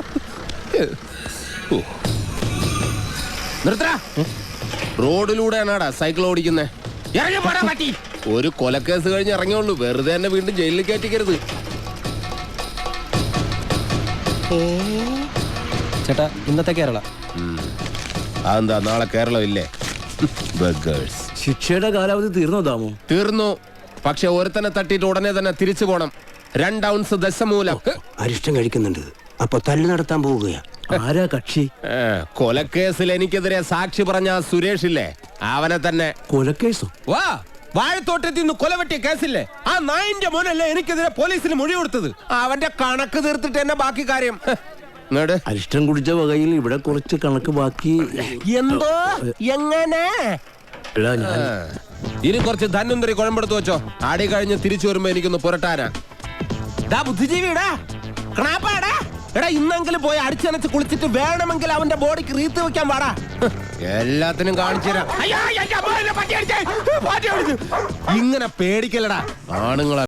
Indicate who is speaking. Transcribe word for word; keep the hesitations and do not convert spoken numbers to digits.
Speaker 1: നിർത്തടാ. റോഡിലൂടെയാണാടാ സൈക്കിൾ ഓടിക്കുന്നേ. ഒരു കൊലക്കേസ് കഴിഞ്ഞ് ഇറങ്ങിയുള്ളൂ, വെറുതെ തന്നെ വീണ്ടും ജയിലിൽ കയറ്റിക്കരുത്.
Speaker 2: ചേട്ടാ ഇന്നത്തെ കേരള
Speaker 1: അതെന്താ നാളെ കേരളം ഇല്ലേ?
Speaker 3: ശിക്ഷയുടെ കാലാവധി തീർന്നോ ദാമു?
Speaker 1: തീർന്നു. പക്ഷെ ഒരുത്തനെ തട്ടിയിട്ട് ഉടനെ തന്നെ തിരിച്ചു പോണം. രണ്ട് ഔൺസ് ദശമൂലം
Speaker 4: അരിഷ്ടം കഴിക്കുന്നുണ്ട്. അപ്പൊ തല്ലു നടത്താൻ പോവുകയാ.
Speaker 3: ആരാ കക്ഷി?
Speaker 1: കൊലക്കേസിൽ എനിക്കെതിരെ സാക്ഷി പറഞ്ഞ സുരേഷ് ഇല്ലേ, അവനെ തന്നെ.
Speaker 3: കൊലക്കേസോ?
Speaker 1: വാ, വാഴത്തോട്ടത്തിൽ നിന്ന് കൊലവെട്ടിയ കേസില്ലേ, ആ നായിന്റെ മോനല്ലേ എനിക്കെതിരെ പോലീസിന് മൊഴി കൊടുത്തത്. അവന്റെ കണക്ക് തീർത്തിട്ട് തന്നെ ബാക്കി കാര്യം.
Speaker 3: അരിഷ്ടം കുടിച്ച വകയിൽ ഇവിടെ കുറച്ച് കണക്ക് ബാക്കി.
Speaker 1: എന്തോ എങ്ങനെ? ഇനി കുറച്ച് ധന്വന്തരി കുഴമ്പെടുത്ത് വെച്ചോ. ആടി കഴിഞ്ഞ് തിരിച്ചു വരുമ്പോ എനിക്കൊന്ന് പുരട്ടാനാ. ബുദ്ധിജീവിടാ ക്ണാപ്പാടാ. എടാ ഇന്നെങ്കിലും പോയി അടിച്ചനച്ച് കുളിച്ചിട്ട് വേണമെങ്കിൽ അവന്റെ ബോഡിക്ക് റീത്ത് വെക്കാൻ പാടാ. എല്ലാത്തിനും കാണിച്ചു തരാം. ഇങ്ങനെ പേടിക്കലടാ ആണുങ്ങളെ.